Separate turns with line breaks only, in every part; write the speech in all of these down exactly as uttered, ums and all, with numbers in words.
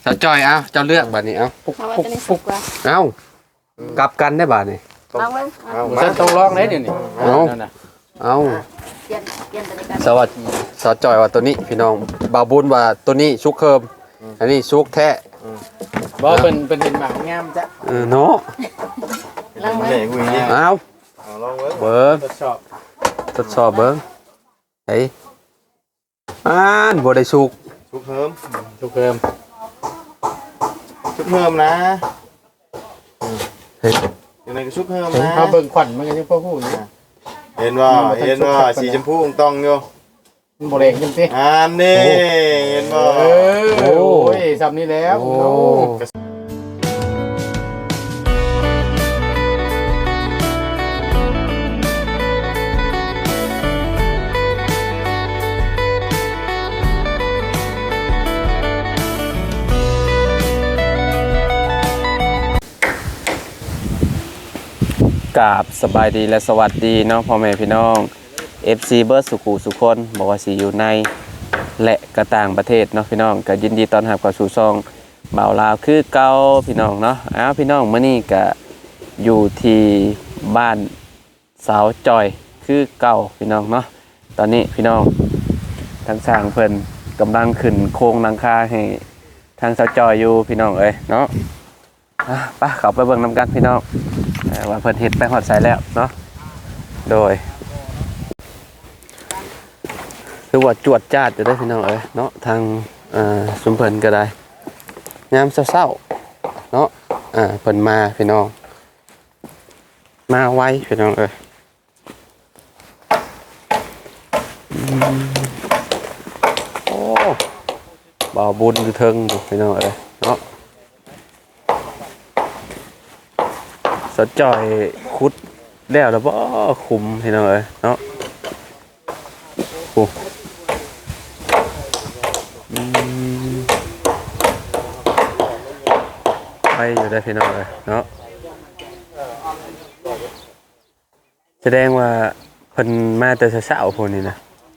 สาวจอยเอาเจ้าเลือกบัดนี้เอาปุ๊กปุ๊กปุ๊กเอากลับกันได้บัดนี้
เอาไว้
เอามาต้องลองได้เดี๋ยวนี้
เอาเอา
เปลี่ยนเปลี่ยนตัวนี้กัน
สวัสดีสาวจอยว่าตัวนี้พี่น้องบ่าวบุญว่าตัวนี้ชุกเคิมอันนี้ชุกแท้
บ่เป็นเป็นเห็นหมากงามจ้ะ
เออเนาะ
ลองไว้
เอา
ลองไว้
เบิ้ง
ทดสอบ
ทดสอบเบิ้งเฮ้ยอ่านบ่ได้ชุก
ชุกเพิ่มชุกเพิ่มชุกเพิ่มนะ
เฮ้ย
ยังไงก็ชุกเพิ่มนะเอาเบิ่งขวัญมันก็ยังพ่อพูดนะเห็นว่าเห็นว่าสีชมพูต้องอยู่มันบ่แรงจังซี่อ่านี่เห็นบ่โอ้ยซ้ำนี้แล้วโอ้
กราบสบายดีและสวัสดีเนาะพ่อแม่พี่น้อง เอฟ ซี เบิร์ดสุขุสุคนบอกว่าสิอยู่ในและกระต่างประเทศเนาะพี่น้องก็ยินดีต้อนรับเข้าสู่ช่องบ่าวลาวคือเก่าพี่น้องเนาะอ้าวพี่น้องมื้อนี้ก็อยู่ที่บ้านสาวจอยคือเก่าพี่น้องเนาะตอนนี้พี่น้องทางสร้างเพิ่นกำลังขึ้นโครงหลังคาให้ทางสาวจอยอยู่พี่น้องเอ้ยเนาะอ่ะไปเข้าไปเบิ่งนำกันพี่น้องว่าเพิ่นเฮ็ดไปฮอดไสแล้วเนาะโดยคือว่าจวดจ้าดจะได้พี่น้องเอ้ยเนาะทางสุมเพิ่นก็ได้ยามเศร้าๆเนาะอ่าเพิ่นมาพี่น้องมาไวพี่น้องเอ้ยโอ้บ่าวบุญอยู่เทิงพี่น้องเอ้ยเนาะสะจ่อยคุดแล้วแล้วบ่คุมพี่น้องเอ้ยเนาะโอ้ไปอยู่ได้พี่น้องเลยเนาะแสดงว่าเพิ่นมาแต่เช้าๆพวกนี้นะ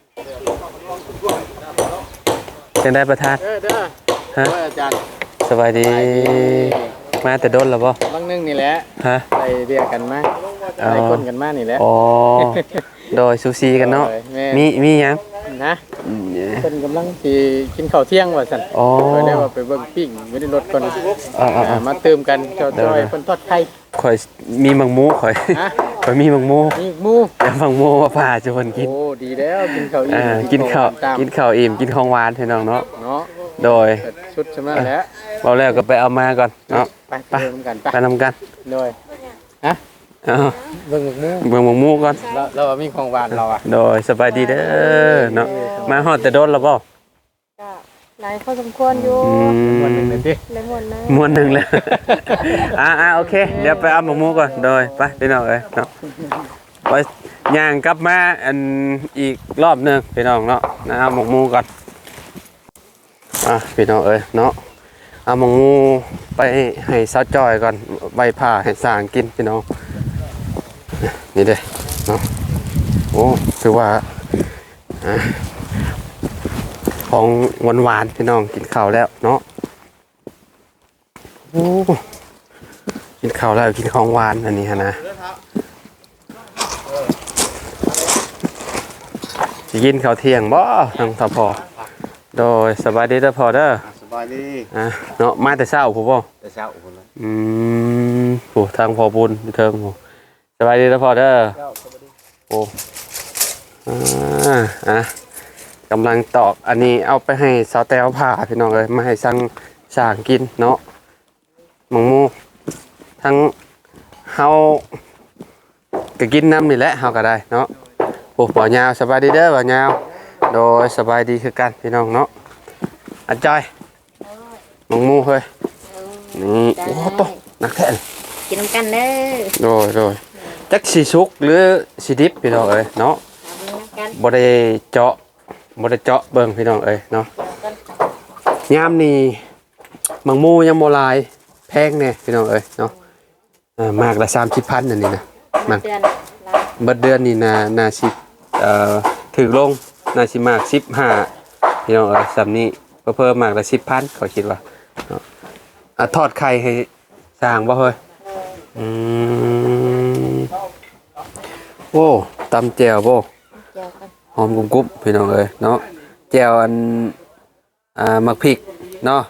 จังได้ประทานฮะสบายดีมาแต่โดนแล้วบ่บางนึงนี่แหละฮะไปเรียกกันมาไปคนกันมานี่แหละอ๋อโดยซูซีกันเนาะมีมีหยังนะเพิ่นกำลังสิกินข้าวเที่ยงว่าซั่นอ๋อได้ว่าไปเบิ่งปิ้งไม่ได้รถก่อนอ่ามาเติมกันเจ้าจ้อยเพิ่นทอดไข่ข่อยมีมังมูข่อยข่อยมีมังมูมีมูแล้วมังมูมาพาจะเพิ่นกินโอ้ดีแล้วกินข้าวอิ่มกินข้าวกินข้าวอิ่มกินของหวานพี่น้องเนาะเนาะโดยชุดใช่มั้ยแล้วเอาแล้วก็ไปเอามาก่อนเนาะไปไปนำกันไปนำกันโดยฮะเบิ่งหมูเบิ่งหมูก่อนแล้วเรามีของหวานเราอ่ะโดยสบายดีเด้อเนาะมาฮอดแต่โดนแล้วบ่ก็หลายพอสมควรอยู่ม่วนนึงเลยติม่วนนึงม่วนนึงเลยอ่าๆโอเคเดี๋ยวไปเอาหมูก่อนโดยไปพี่น้องเอ้ยเนาะไปย่างกลับมาอันอีกรอบนึงพี่น้องเนาะนะเอาหมูก่อนอ่ะพี่น้องเอ้ยเนาะเอาหมูไปให้สาวจอยก่อนใบผ่าให้สางกินพี่น้องนี่เด้เนาะโอ้คือว่าของหวานหวานพี่น้องกินข้าวแล้วเนาะโอ้กินข้าวแล้วกินของหวานอันนี้ฮะนะจะกินข้าวเที่ยงบ่ทางสพโดยสบายดีเด้อพอเด้อสบายดีอ่ะเนาะมาแต่เช้าผู้บ่แต่เช้าพุ่นเลยอืมผู้ทางพอบุญเทิงผู้สบายดีเด้อพอเด้อโอ้อ่าอ่ะกำลังตอกอันนี้เอาไปให้สาวแต้วผ่าพี่น้องเลยมาให้สั่งสางกินเนาะหมูมูทั้งเฮาก็กินน้ำนี่แหละเฮาก็ได้เนาะโอ้บ่ยาวสบายดีเด้อบ่ยาวโดยสบายดีคือกันพี่น้องเนาะอันจอยหมูมูเฮ้ยนี่โอ้โตนักแท้
กินน้ำกันเด้อ
โดยโดยจักสีสุกหรือสีดิบพี่น้องเอ้ยเนาะบ่ได้เจาะบ่ได้เจาะเบิ่งพี่น้องเอ้ยเนาะยามนี้มังมูยังบ่ลายแพงแน่พี่น้องเอ้ยเนาะอ่ามากละสามสิบพันนั่นนี่นะมันเบิดเดือนนี่น่าน่าสิเอ่อถึงลงน่าสิมากสิบห้าพี่น้องเอ้ยสำนี้เพิ่มมากละสิบพันเขาคิดว่าเนาะอ่ะทอดไข่ให้สร้างบ่เฮ้ยอืมโอ้ตำแจ่วบ่
เจียวกัน
หอมกุ้งกุ๊บพี่น้องเอ้ยเนาะแจ่วอันอ่ามักพริกเนาะ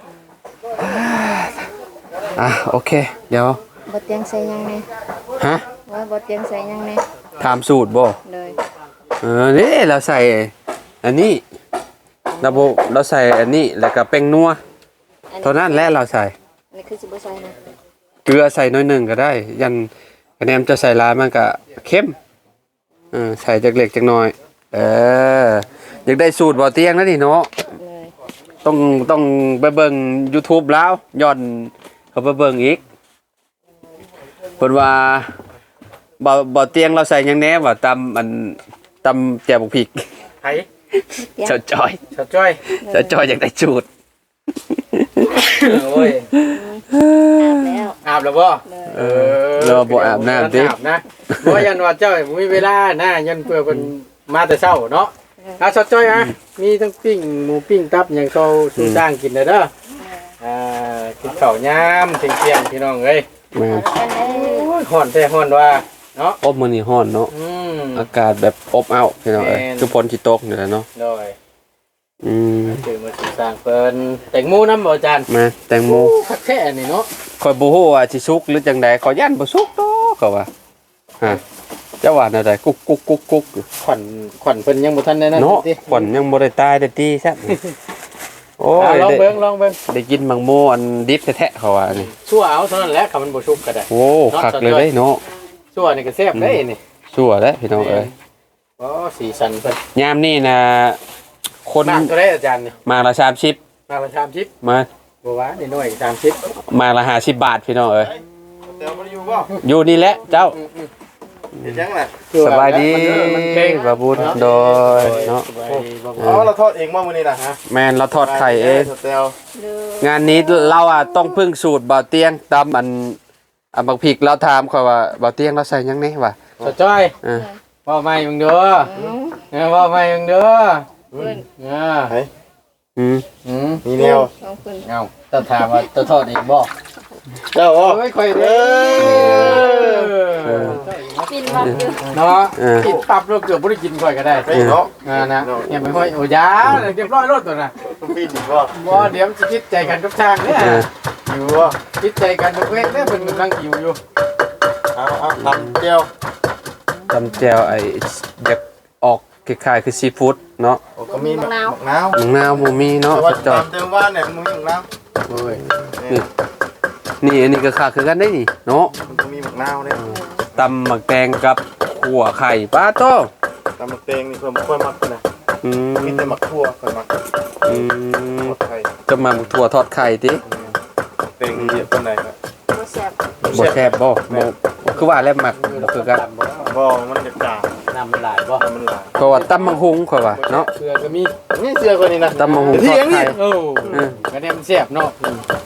อ่ะโอเคเดี๋ยว
บดเตียงใส่ยังไง
ฮะ
ว่าบดเตียงใส่ยังไง
ถามสูตรบ่
เลย
เออนี่เราใส่อันนี้เราโบเราใส่อันนี้แล้วก็แป้งนัวเท่านั้นแหละเราใส่
อันนี้คือสิบใส่นะ
เกลือใส่น้อยหนึ่งก็ได้ ยันคะแนนจะใส่หลายมันก็เข้มเออใส่จากเล็กจากน้อยเอออยากได้สูตรบ่เตียงนะนี่เนาะ
เลย
ต้องต้องไปเบิ่ง YouTube แล้วย้อนเขาไปเบิ่งอีกเพิ่นว่าบ่บ่เตียงเราใส่หยังแหน่ว่าตำอันตำแจ่วบกพริก
ไผ
เจ้าจอย
ชาวจ้อย
เจ้าจอยอยากได้สูตร
โอ้ย
อาบแล้ว
อาบแล้วบ่
เลย
เออเราบ่อาบน้ำติ
อาบนะบ่ยันว่าเจ้าบ่มีเวลานะยันเพื่อเพิ่นมาแต่เช้าเนาะอ่ะชาวจ้อยอ่ะมีทั้งปิ้งหมูปิ้งตับหยังเขาสู่จ้างกินเด้อเด้ออ่ากินข้าวยามเที่ยงๆพี่น้องเอ้ย
แม่น
กันเลย
โอ้ยฮ้อนแท้ฮ้อนว่าเนาะ
อบมื้อนี้ร้อนเนาะ
อืม
อากาศแบบอบอ้าวพี่น้องเอ้ย
แม่น
คือฝนสิตกนี่แหละเนาะ
โดย
อืม
คือมาสู่สร้างเพิ่นแตงโมนำบ่อาจารย์
มาแตงโม
คักแท้นี่เนาะ
ข่อยบ่ฮู้ว่าสิสุกหรือจังใดขอยย่านบ่สุกดอกก็ว่าฮะเจ้าว่าแนวใดกุ๊กกุ๊กกุ๊กกุ๊กอยู่
ขวัญขวัญเพิ่นยังบ่ทันได้นั่น
เนาะ
ติ
ขวัญยังบ่ได้ตายได้ตีซะโอ้
อ่ะ
ย
ลอง
ได้
เบิ่งลองเบิ่ง
ได้กินมังโมอันดิบแท้ๆเขาว่านี่
ชั่วเอาเท่านั้นแหละคันมันบ่ชุบก็ได้
โอ้คักเลยเด้เนาะ
ชั่วนี่ก็แซ่บได้นี่
ชั่วแล้วพี่น้องเอ้ย
อ๋อสีสันเพิ่น
ยามนี่นะคน
มากเท่าได้อาจารย์นี่
มาละสามสิบ
มากละสามสิบ
มา
บ่ว่านี่น้อยสามสิบ
มาละห้าสิบบาทพี่น้องเอ้ย
เดี๋ยวบ่อยู่บ่
อยู่นี่แหละเจ้า
เฮ็ดจังล่ะ
สบายดี
มันเก่ง
บาบุญโดยเนาะ
สบายดีบ่อ๋อเราทอดเองบ่มื้อนี้น่ะฮะ
แมนเราทอดไข่เอง
เตียว
เลย
งานนี้เราอ่ะต้องพึ่งสูตรบ่าวเตียงตามอันอันบักพริกเราถามเขาว่าบ่าวเตียงเราใส่หยังนี่วะ
สะจ้อย
เออ
เว้าใหม่มึงเด้อเออเว้าใหม่มึงเด้อ
เพื่อน
เออ
เฮ้ย
อืม
อืม
มีแนว
สองคน
เอ้าต้องถามว่าจะทอดเองบ่
เจ้าอ๋อ
เอ้ยค่อยเด้อ
ปินวัดอยู่
เนาะกินปับแล้วเกือบบ่ได้กินค่อยก็ได้
ไปเนาะ
อ่านะอย่าไปห้อยโอ้ยาเรียบร้อยรถตัวน่ะ
ต้องปีนอีกบ่
บ่เดี๋ยวมันจะคิดใจกันกับช่างเนี่ย
เออ
อยู่บ่
คิดใจกันทุกเว้นเนี่ยเป็นกำลังหิวอยู่
เอาเอาทำเจียว
ตำแจวไอ้อยากออกคล้ายๆคือซีฟู้ดเนาะ
โอ้ก็มีมะนาวมะนาว
มังนาวบ่มีเนาะ
แต่ว่า
จอย
ตามเติมว่านเนี่ยมันมีมะนาว
โอ้ย
นี่นี่อันนี้ก็ค่าคือกันได้นี่เนาะ
มันก็มีมะนาวเนี่ย
ตำหมักแตงกับขั่วไข่ปลาโต
ตำมะเตงนี่เพิ่มค่อยมักนะ
อืม
มีแต่มะทั่วค่อยมัก
อืม
หมดไทย
จะมาหมักถั่วทอดไข่ติ
เตงเยอะปานใดครับ
บ่แซ่บ
บ่แซ่บบ่บ่คือว่าแล้วหมักบ่คือกัน
บ่มันจะจาง
น้ำมันหลายบ่
น้ำมันหลาย
เพราะว่าตำมังหุงข่อยว่าเนาะ
เกลือก็มี
นี่เสื้อคนนี้นะ
ตำมังหุงทอดไข่
โอ้
เออ
ก็เนี่ยมันแซ่บเนาะ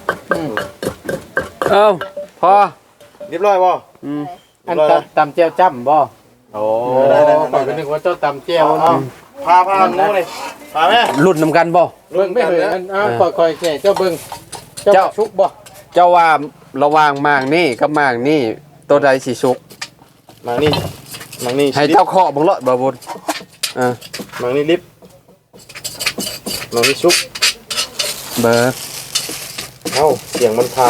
เอ้าพอ
เรียบร้อยบ่
อืม
อันตำตำเจียวจ้ำบ่โอ้ข่อยก็นึกว่าเจ้าตำเจียว
เอา
เนาะ
พาพาหนูเลยพาแม่
รุ่นนำกันบ่
เบิ่งไม่เคยอันอ้าวค่อยๆแค่เจ้าเบิ่งเจ้าชุกบ่
เจ้าว่าระหว่างมางนี่กับมางนี่ตัวใดสิสุก
มานี่มานี่
ให้เจ้าเคาะบังเลาะบ่บุญเออ
มานี่ลิฟต์มานี่ชุบ
เบอร์
เอ้าเสียงมันพาว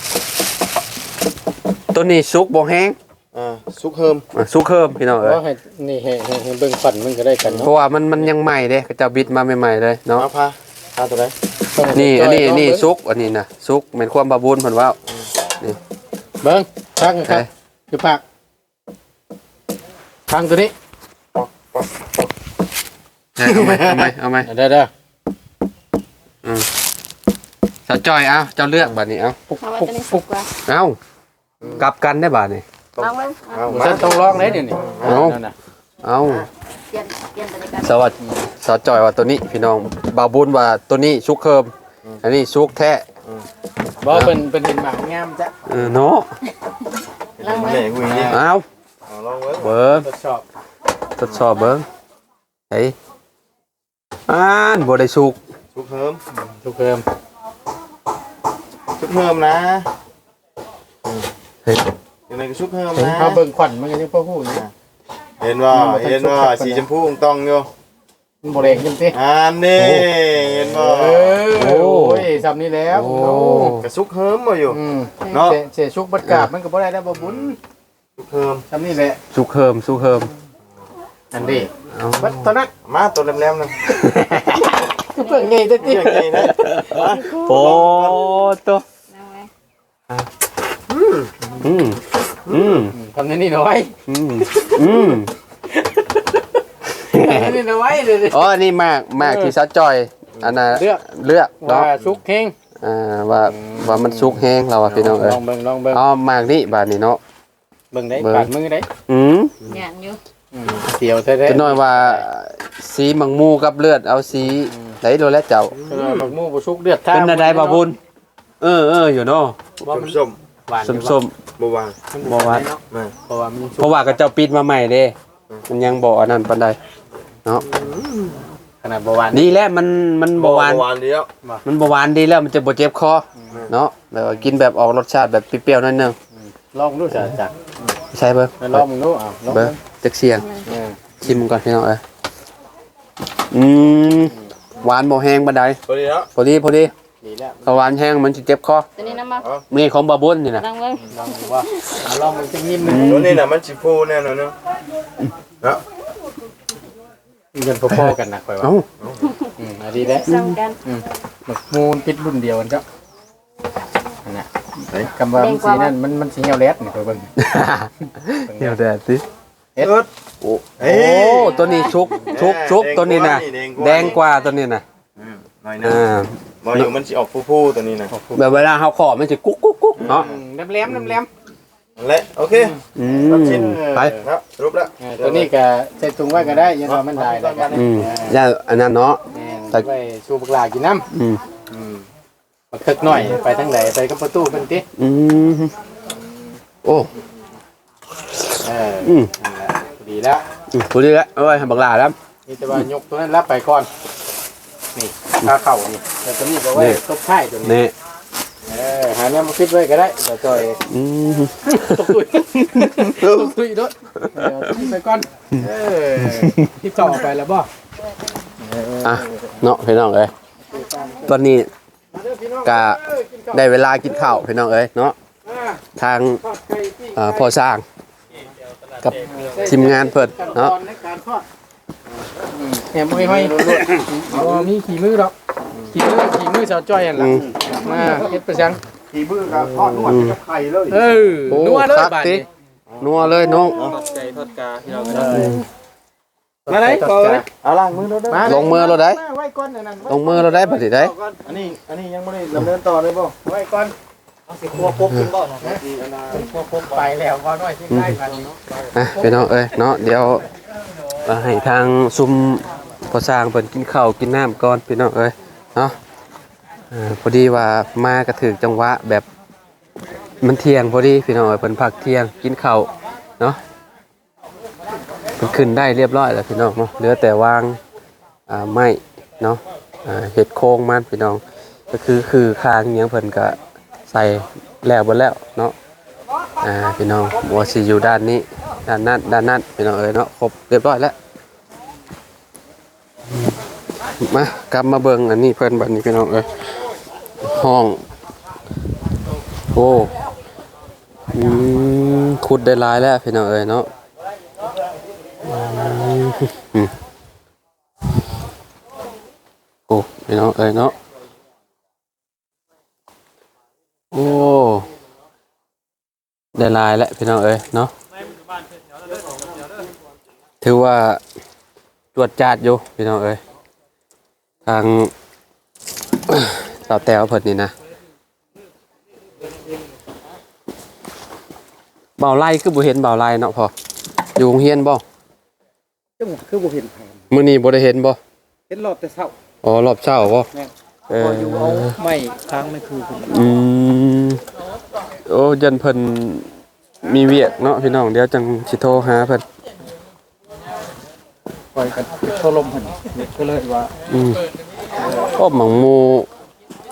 ตัวนี้สุกบ่แห้ง
อ่าซุกเฮิม
อ่ะสุกเพิ่มพี่น้องเอ้ย
ว่าให้นี่ให้ให้ให้เบิ่งฝันมันก็ได้กัน
เพ
เนาะ
ราะว่ามันมันยังใหม่เด้เขาเจ้าบิดมาใหม่ๆเลยเนาะ
เอาพาพาตัวไหน
นี่อันนี้อันนี้สุกอันนี้นะสุกเหมือนความบาบูนเพิ่นว่า
เบิ่งพักค
เอ้
รับ
ย
คือพักพังตัวนี้
เอาไหมเอาไหมเอาไหม
เด้อเด้อ
สาวจอยเอาเจ้าเลือกบัดนี้เอา
ปุ๊ก
เพราะว่า
ปุ๊ก
ตัวนี้สุ
ปุ๊
ก
ก
กว่า
เอากลับกันได้บัดนี้
ลองเบิ่ง
เอา
ผม
มา
ฉันต้องลองได้เดี๋ยวนี้
เอา
นั่นน่ะ
เอา
เปลี่ยนเปลี่ยนตัวนี้กัน
สวัสดีสาวจอยว่าตัวนี้พี่น้องบาบูนว่าตัวนี้สุกเคิมอันนี้สุกแท้
บ่เป็นเป็นเห็นหมากงามจ้ะ
เออเนาะ
ลองเบิ่
แหล่
ง
กุยนี่
เอา
เอาลองเว้ย
เบิ้ง
ทดสอบ
ทดสอบเบิ้งเฮ้ยอ่านบ่ได้สุก
ซุกเฮิม
ทุกเพิ่มชุบเพิ่มนะ
เฮ้ย
ยังไงก็ชุบเพิ่มนะ
เอาเบิ่งขวัญมันก็ยังพ่อพูดอยู่
เห็นว่าเห็นว่าสีชมพูต้องอยู่
มันบ่แรงจังซี่
อันนี้เห็นบ่
เออโอ้ยซ้ำนี้แล้ว
กระซุกเฮิมบ่อยู่
อืม
เนาะ
เสียชุกบัดกราบมันก็บ่ได้แล้วบ่บุญ
ซุกเฮิม
ซ้ำนี้แหละ
สุกเฮิมสุกเฮิม
อันนี้
เอา
บัดตอนนั้น
มาตัวแหลมๆนะ
คือเพิ่งใหญ่เด้อติ
เรื่องนี้นะ
โอ้ตัว
นั่งไว้
อืมอืม
ทำนี่น้อย
อืมอืม
นี่น้อยเลย
อ๋ออันนี้มากมากที่ซัดจอยอันน่ะ
เลือก
เลือก
ว่า
เนาะ
ชุกเฮง
อ่าว่าว่ามันสุกแห้งเราอ่ะพี่น้องเอ้ย
ลองเบิ่งลองเบิ่ง
อ๋อมากนี่บาดนี้เนาะ
เบิ่งได้
เบิ่ง
ปาดมือได้
อืม
งานอยู่
อืมเสียวแท้
จะน้อยว่าสีมังมูกับเลือดเอาสีไหนโดนแล้วเจ้า
ๆคือบักมูบ่ชุกเดือด
เป็นอะไรบ่บุญเออเอออยู่เนาะ
ว่ามัน
ส้ม
หวาน
ส้มส้ม
ๆบ่วาง
บ่หวาน
เนาะ
มา
เพราะว่ามัน
ๆเพราะว่าก็เจ้าปิดมาใหม่เด้มันยังบ่อันนั้นปานใดเนาะ
ขนาดบ่หวาน
ดีแล้วมันมันบ่หวาน
หวานเดียว
มันบ่หวานดีแล้วมันจะบ่เจ็บคอเนาะแบบว่ากินแบบออกรสชาติแบบเปรี้ยวๆหน่อยหนึง
ลองดูจ้ะจ้ะ
ใช่เบิ่ง
ลองมึงดูอ้าวลอง
เบิ่งจักเสียง
เออ
ชิมก่อนพี่น้องเอ้ยอืมหวานบ่แห้งปานใด
พอดีแล้ว
พอดีพอดี
ดีแล้ว
ถ้าหวานแห้งมันสิเจ็บคอ
ตัวนี้น้ำมา
นี่ของบาบุญนี่นะ
นั่งเว้ย
ลองดูว่าเอาลองมันจะยิ้มเลย
ตัวนี้น่ะมันสิฟูแน่นอนเนาะเนาะ
เงินพอๆกันนะคอยว่า
เอ้า
อืมอันนี้แหละ
ซ้ำกัน
หมึกมูลปิดรุ่นเดียวกันจ้ะอันน่ะคำว่ามันสีนั่นมันมันสีเหี่ยวแรดนี่คอยเบิ่ง
เดี๋ยวแดดสิ
เอ็ด
โอ้โอ้ตัวนี้ชุกชุกชุกตัวนี้นะแดงกว่าตัวนี้นะ
อืมหน่อยนึง
อ่า
บ่อยู่มันสิออกฟูๆตัวนี้นะ
แบบเวลาเฮาขอมันจะกุ๊กกุ๊กกุ๊กเนาะ
น้ำแหลมน้ำแหลม
นั่นแหละโอเค
อื
รับ
ม
ชิ้น
ไป
ครับสรุปแล้ว
เออตัวนี้ก็ใส่ถุงไว้ก็ได้อยังว่ามันได้แล้วกัน
อืมอย่าอันนั้นเนาะ
แม่นไว้สูบปลากินน้ำ
อืม
อืม
มาคึกหน่อยไปทางไหนไปกับประตูเป็นติ
อืมโอ้
เออ
อืม
นั่นแหละดีแล้ว
อืมพอดีแล้วเอ้ยให้บักหลาแล้ว
นี่จะว่ายกตัวนั้นรับไปก่อนนี่ขาเข่านี่แต่ตัวนี้ก็ไว้ตบท้ายตัวนี้
นี่
เออหาแนวมาคิดไว้ก็ได้เดี๋ยวจอย
อืม
ตกตุยตกตุยด้วยเดี๋ยวทิ้งไปก่อนเออที่ต่อไปแล้วบ่
อ่ะเนาะพี่น้องเอ้ยตอนนี้กะได้เวลากินข้าวพี่น้องเอ้ยเนาะทางเอ่อพ่อสร้างกับทีมงานเพิ่นเนาะ
ในการทอดแหมมือห้อยอ๋อมีขี่มือหรอกขี่มือขี่มือสาวจ้อยอันละมาเฮ็ดประชัง
ขี่มือกับทอดนวดกับไข่เลย
เออ
โอ้
นัวเลย
ครับ
บาด
ติ
นี้
นัวเลยน้อง
ทอดไก่ทอดกาที่เรามาไหนก่อน
เอาล้างมือแล้วเด้อ
ลงมือเราได้
ไว้ก่อนนั่น
ลงมือเราได้บัดนี้ได้
อันนี้อันนี้ยังบ่ได้ดำเนินต่อเลยบ่
ไว้ก่อนเอาสิครัวปุ๊บกินบ่นะครัวปุ๊บไปแล้วก่อนหน่อยที่ได้กัน
อ่ะพี่น้องเอ้ยเนาะเดี๋ยวเอาให้ทางซุมพ่อสร้างเพิ่นกินข้าวกินน้ำก่อนพี่น้องเอ้ยเนาะอ่าพอดีว่ามาก็ถึกจังหวะแบบมันเที่ยงพอดีพี่น้องเอ้ยเพิ่นพักเที่ยงกินข้าวเนาะเพิ่นขึ้นได้เรียบร้อยแล้วพี่น้องเนาะเหลือแต่วางอ่าไม้เนาะอ่าเฮ็ดโครงมันพี่น้องก็คือคือคางอิหยังเพิ่นก็ใส่แล้วเบิดแล้วเนาะอ่าพี่น้องบ่สิอยู่ด้านนี้ด้านนั้นด้านนั้นพี่น้องเอ้ยเนาะครบเรียบร้อยแล้วมากลับมาเบิ่งอันนี้เพิ่นบัดนี้พี่น้องเอ้ยห้องโอ้อืมขุดได้หลายแล้วพี่น้องเอ้ยเนาะอืมโอ้พี่น้องเอ้ยเนาะโอ้ได้หลายแล้วพี่น้องเอ้ยเนาะถือว่าตรวจจัดอยู่พี่น้องเอ้ยทาง สาวแต้วเพิ่นนี่นะเบาไล่คือบ่เห็นเบาไล่เนาะพออยู่โรงเรียนบ่
จังคือบ่เห็นไผ
มื้อนี้บ่ได้เห็นบ่
เห็นรอบแต่เช้า
อ๋อรอบเช้าบ่เออ
อยู่เอาไม้ค้างไม่คือคุณ
อืมโอ้ยันเพิ่นมีเวียกเนาะพี่น้องเดี๋ยวจังสิโทรหาเพิ่น
ปล่อยกันโทรลมเพิ่นก็เลยว่า
อืมโอ้หมังหมู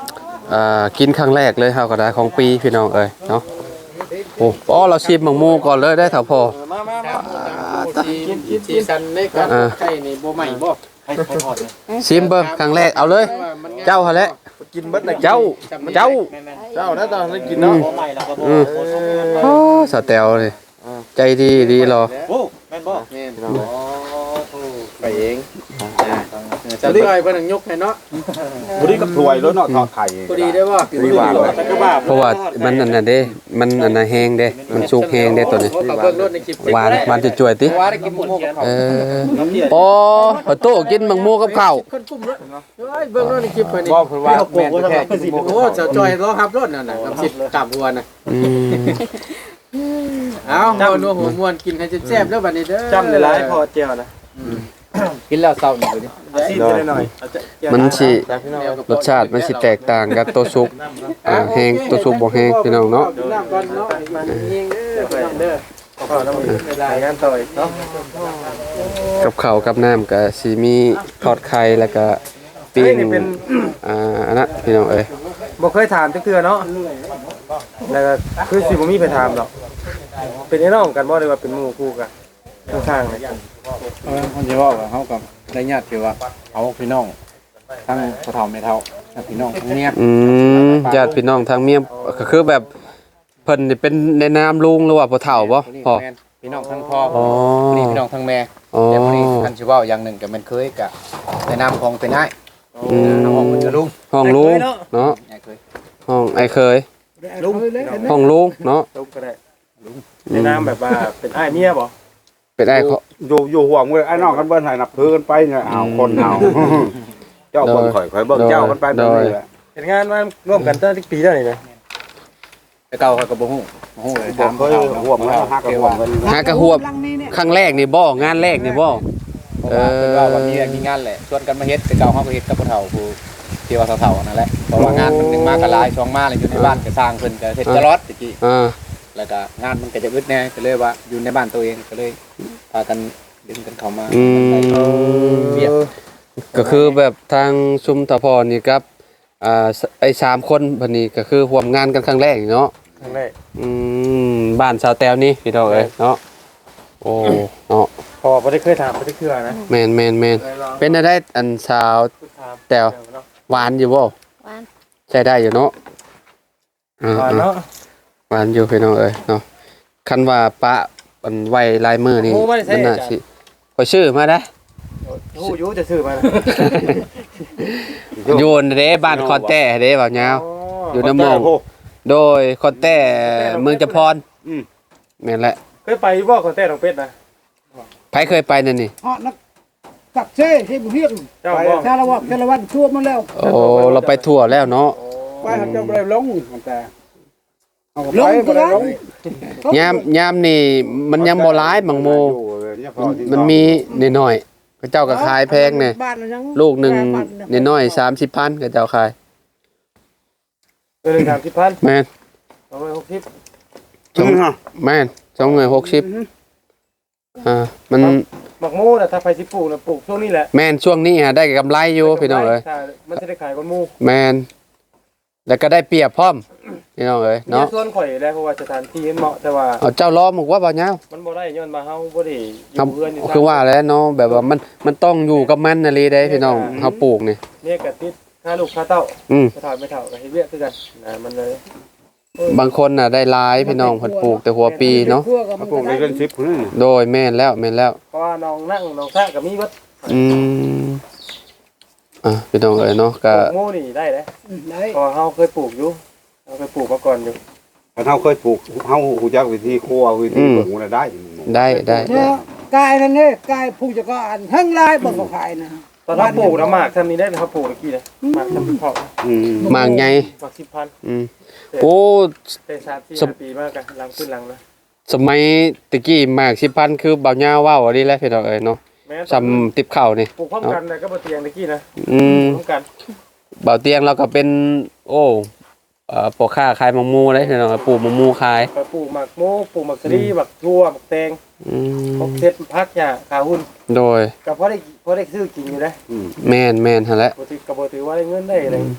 อ่ากินครั้งแรกเลยเฮาก็ได้ของปีพี่น้องเอ้ยเนาะโอ้อ๋อเราชิมหมังมูก่อนเลยได้เถอะพ่อ
มามามาสีสีสันในการไข่นี่บ่ใหม่บ่ให้ให้ทอดเลย
ชิมเบิ่งครั้งแรกเอาเลย เจ้าหั่นแหละ
กินเบิดน่ะ
เจ้าเจ้า
เจ้านะตอนนั้นกินเนาะ
บ่ใหม่แล้วก็บ่
อืมโอ้สาวแตวเลยใจดีดีรอ
โอ้แม่นบ่แม่นอ๋อไปเอง
จะได้เพิ่นยกให้เนาะบ่ได้กับถ้วยรถเนาะทอดไข่
พอดีได้บ่
ดีว่าเลย
เพราะว่ามันอันนั้นเด้มันอันน่ะแห้งเด้มันสุกแห้งเด้ตัวนี้
กับเบิ่งรถในคลิป
หวานหวานจะจ่วยติ
ว่าได้กินหมูกับข้าว
เออโอ้พอโตกินหมังมูกับข้าว
คนกุ้มเลยเฮ้ยเบิ่งรถในคลิปเพิ่นนี่
บ่เพิ่นว่าแม่นแท้กินบ่
โอ้เจ้าจอยรอขับรถนั่นน่ะกับสิบกลับหัวน่ะ
อืม
เอาเอานัวหัวมวนกินให้แซ่บๆแล้วบัดนี้เด้อ
จำได้หลายพอเจียวนะ
กินแล้วเศร้านี่ดิ
ซีดได้หน่อย
มันสิรสชาติมันสิแตกต่างกับตัวซุปอ่าแห้งตัวซุปบ่แห้งพี่น้องเนาะ
น้ำก่อนเนาะมันเองเด้อพี่น้องเด้อขอน้ำมันเวลางานต่อยเนาะ
กับข้าวกับน้ำก็สิมีทอดไข่แล้วก็ปิ้งอ่าอันนั้นพี่น้องเอ้ย
บ่เคยถามจักเทื่อเนาะแล้วก็คือสิบ่มีไปถามหรอกเป็นไอ้น้องกันบ่ได้ว่าเป็นหมู่คู่กันข้างๆเลย
เออผมจะว่าว่าเฮากับได้ญาติที่ว่าเอาพี่น้องทั้งพ่อเฒ่าแม่เฒ่าพี่น้องทั้งเมีย
อืมญาติพี่น้องทางเมียก็คือแบบเพิ่นนี่เป็นในนามลุงหรือว่าพ่อเฒ่าบ่พ่อ
พี่น้องทั้งพ่อ
อ๋อ
นี่พี่น้องทั้งแม่
อ๋อ
แต่มื้อนี้ท่านสิเว้าอย่างหนึงก็มันเคยกะในนามของเป็นอ้าย
อืม
น้องมันจะลุง
ห้องลุงเนาะ
อ้ายเคย
ห้องไอ้เคย
ลุง
ห้องลุงเนาะ
ลุงก็ได้ในนามแบบว่าเป็นอ้ายเมียบ่
เป็นไอ้เขา
อยู่อยู่ห่วงเว้ยไอ้น้องกันเบิ่นให้นับถือกันไปเนี่ยเอาคนเอาเจ้าคนข่อยข่อยเบิ่งเจ้ากันไปแบบนี้แหละ
เฮ็ดงานมาร่วมกันตั้งแต่ปีแล้วนี่นะ
แต่เก่าเขาก็บ่ฮู้บ่ฮู้เลย
ผ
ถาม
มเคยห่วงแล้วฮักกับห่วงกัน
หากระหวบครั้งแรกนี่บ่งานแรกนี่บ่
เพราะว่าเพิ่นว่าว่ามีเรื่องมีงานแหละชวนกันมาเฮ็ดแต่เก่าเฮาก็เฮ็ดกับพ่อเฒ่าผู้ที่ว่าเฒ่าๆนั่นแหละเพราะว่างานมันนึงมาก็หลายช่องมาเลยอยู่ในบ้านก็สร้างเพิ่นก็เฮ็ดตลอดตะกี้
อ่า
แล้วก็งานมันก็จะอึดแน่ก็เลยว่าอยู่ในบ้านตัวเองก็เลยพากันดึงกันเข้ามา
อืม
เวียก
ก็คือแบบทางชุมตะพรนี่ครับอ่าไอ้สามคนบัดนี้ก็คือร่วมงานกันครั้งแรกเนาะ
ครั้งแรก
อืมบ้านสาวแตวนี่พี่น้องเอ้ยเนาะโอ้เนาะ
พอบ่ได้เคยถามบ่ได้เทื่อนะ
แม่นแม่นแม่นเป็นได้อันสาวแตวหวานอยู่บ่
หวาน
ใช้ได้อยู่เนาะอ่า
ว่า
ๆ
เนาะ
หวานอยู่พี่น้องเอ้ยเนาะคันว่าปะมันไวลายมือนี่มันน่าสิขอยชื่อมาได้
ฮู้อยู่จะซื้อมานะ
โยนเด้บ้านคอนแต้เด้บ่าวยาวอยู่น้ำมองโดยคอนแต้เมืองจำพรอืมแม่นแหละ
เคยไปบ่คนแต่น้องเป็ดนะ
ไผเคยไปนั่นนี่
họ nó cặp xe thì một hiếc
เจ้าบ่
xa là hoặc xa là văn chua mà leo
โอ้เราไปทั่วแล้วเนาะ
quay hạt trong đây lông người ta
Lông
lông
cái
cái
lông.
đó
ยามยามนี่มันยังบ่หลายบางโมมันมันมีนิดหน่อยๆเขาเจ้าก็ขายแพงเนี่ย
bạn là nhắn
ลูกหนึงนิดหน่อยสามสิบพันเขาเจ้าขาย
เออสามสิบพัน
แม่น
เอาไว้หกสิบ
สองแม่นสองหน่วยหกสิบอ่ามัน
หมักหมูน่ะถ้าไปสิปลูกน่ะปลูกช่วงนี้แหละ
แม่นช่วงนี้ฮะได้กำไรอยู่พี่น้องเอ้ย
ใช่มันจะได้ขายคนหมู
แม่นแล้วก็ได้เปรียบพร้อมพี่น้องเอ้ย
เนาะ
เนาะ
ส่วนข่อยได้เพราะว่าสถานที่มันเหมาะแต่ว่า
เอาเจ้าล้อมบอกว่าบ่ยาว
มันบ่ได้ย้อนมาเฮาบ่ได้อ
ครับ
ยู่เพื่อนอยู่
คือว่าแล้วเนาะแบบว่ามันมันต้องอยู่กับมันน่ะเลยได้พี่น้องเฮาปลูกนี่
เนี่ยก็ติดค่าลูกค่าเต้า
อืม
ไปถอดไม่เท่าก็เฮ็ดเวียกคือกันนะมันเลย
บางคนน่ะได้หลายพี่น้องเพิ่นปลูกแต่หัวปีเนาะ
ปลูกได้เกินสิบพุ่น
โดยแม่นแล้วแม่นแล้ว
เพราะว่าน้องนั่งน้องซะก็มีวัด
อืมอ่ะพี่น้องเอ้ยเนาะ
ป
ก็
ลูกหมูนี่ได้เด้
đấy
เพอเฮาเคยปลูกอยู่เฮาเคยปลูกมาก่อนอยู่
ถ้าเฮาเคยปลูกเฮาฮู้จักวิธีครัววิธีปลูกน่ะได้
ได้ได้ได้
nó cài này nè cài phụ cho có ăn hăng lai bằng có phải nè
ตอนเฮาปลูกน้ำหมากทำนี้ได้เฮาปลูกตะกี้นะหมากทำเพาะ
อืม
มากใหญ่
หมากสิบพัน
อืมโอ้
ได้สามสี่ห้าปีมากกันหลังขึ้นหลังนะ
สมัยตะกี้มากสิบพันคือเบาหญ้าว่าวอันนี้แหละพี่น้องเอ้ยเนาะ
แม้
ซำติบข้าวนี่
ปลูกพร้อมกันเลยก็บ่เตียงตะกี้นะ
อืม
พร้อมกัน
เบาเตียงเราก็เป็น โอ้เอ่อปลูกข้าขายมะม่วงได้พี่น้องปลูกมะม่วงขาย
ไปปลูกหมากโมปลูกหมากสลีหมากทั่วหมากแตง
อื
พว
ม
กเซ็ตพักหญ้าขาหุ่น
โดย
ก็พอได้พอได้ซื้อกินอยู่นะ
แม่นแม่นหั่นแหละ
บ่ถือก็บ่ถือว่าได้เงินได้อะไรกับ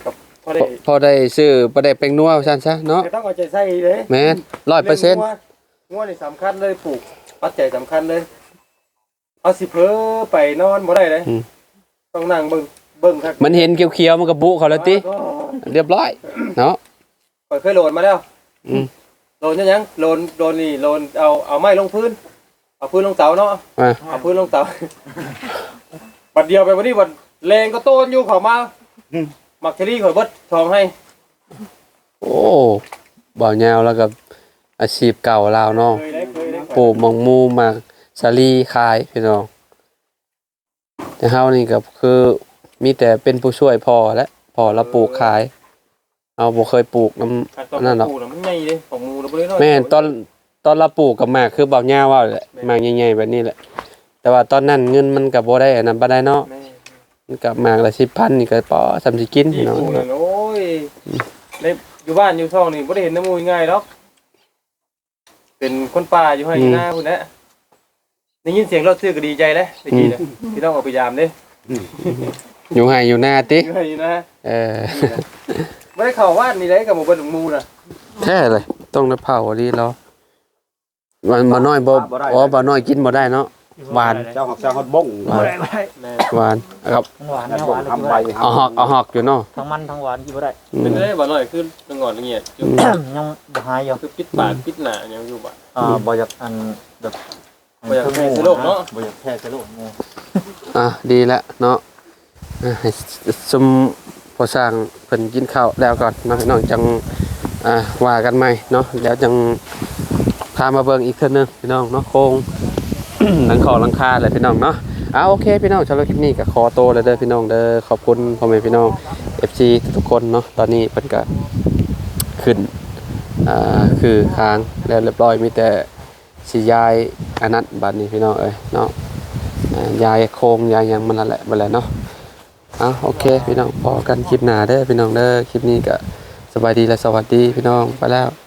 พอได้
พอได้ซื้อบ่ได้แป้งนัวซั่นซะเนาะ
ต้องเอาใจใส่เลย
แม่นร้อยเปอร์เซ็นต์
งัวนี่สำคัญเลยปลูกปัจจัยสำคัญเลยเอาสิเพ้อไปนอนบ่ได้เลยต้องนั่งเบิ่งเบิ่งครับ
มันเห็นเขียวๆมันก็บุเขาแล้วติเรียบร้อยเนาะ
ข่อยเคยโหลดมาแล้ว
อืม
โหลดยังยังโหลดโหลดนี่โหลดเอาเอาไม้ลงพื้นเอาพื้นลงเสาเนาะ
อ่ะ
เอาพื้นลงเสาบัดเดียวไปวันนี้บัดแรงก็โตนอยู่เขามาหมักเชอรี่ข่อยเบิดทองให้
โอ้บ่ยาวแล้วกับอาชีพเก่าลาวเนาะ
เคยได้เคยได้
ปลูกมังมูหมากสาลีขายพี่น้องแต่เฮานี่ก็คือมีแต่เป็นผู้ช่วยพ่อและพ่อเราปลูกขายเอาบ่เคยปลูกนำนั่นหรอก
ปลูกน่ะมันใหญ่เลยของหมูเราบ่ได้น้อย
แม่นตอนตอนเราปลูกกับหมากคือเบาหญ้าว่าแหละหมากใหญ่ๆแบบนี้แหละ แต่ว่าตอนนั้นเงินมันก็บ่ได้อันนั้นบ่ได้เนาะ
แม่
มันก็หมากละสิบพันนี่ก็พอสำสิกิน
ที่
พี่น้อง
ปลูกนั่นโอ้ยในอยู่บ้านอยู่ช่องนี่บ่ได้เห็นน้ำมูกง่ายหรอกเป็นคนป่าอยู่ให้อยู่หน้าพุ่นแหละได้ยินเสียงรถซื้อก็ดีใจแล้วตะกี้น่ะพี่ต้องเอาไปยามเด้
อยู่ให้อยู่หน้าติ
อยู่ให้อยู่นะ
เออ
บ่ได้เข้าบ้านนี่ได้กับหมู่เบิ่นหมู่น่ะ
แท้เลยต้องน้ำเผาดีแล้วมันบ่น้อยบ่อ๋อบ่น้อยกินบ่ได้เนาะหวาน
เจ้าของเจ้าฮอดบ้ง
หวานหวานครับ
หวานนะหวานเลย
ทำใบ
เอาหอกเอาหอกอยู่เนาะ
ทั้งมันทั้งหวานกินบ่ได้
อืม
เป็นได้บ่น้อยคือละงอนละเงียดอยู่
ยังบ่หายอยู่
คือปิดปากปิดหน้ายังอยู่บ่
อ่าบ่อยากอันแบบ
บ่อยากแพ้เชื้อโรคเนาะ
บ่อยากแพ้เชื้อโรคเนี่ย
อ่ะดีแล้วเนาะอ่ะให้สมพอสร้างเพิ่นกินข้าวแล้วก่อนเนาะพี่น้องจังอ่าว่ากันใหม่เนาะแล้วจังพามาเบิ่งอีกเทื่อนึงพี่น้องเนาะโครง หลังคอหลังคาเลยพี่น้องเนาะอ่าโอเคพี่น้องสำหรับคลิปนี้ก็ขอโตวเลยเด้อพี่น้องเด้อขอบคุณพ่อแม่พี่น้อง เอฟ ซี ทุกๆคนเนาะตอนนี้เพิ่นก็ขึ้นอ่าคือค้างแล้วเรียบร้อยมีแต่สิย้ายอันนั้นบัดนี้พี่น้องเอ้ยเนาะอ่าย้ายโครงย้ายหยังมันนั่นแหละบัดแหละเนาะอ่ะโอเคพี่น้องพอกันคลิปหน้าเด้อพี่น้องเด้อคลิปนี้ก็สบายดีและสวัสดีพี่น้องไปแล้ว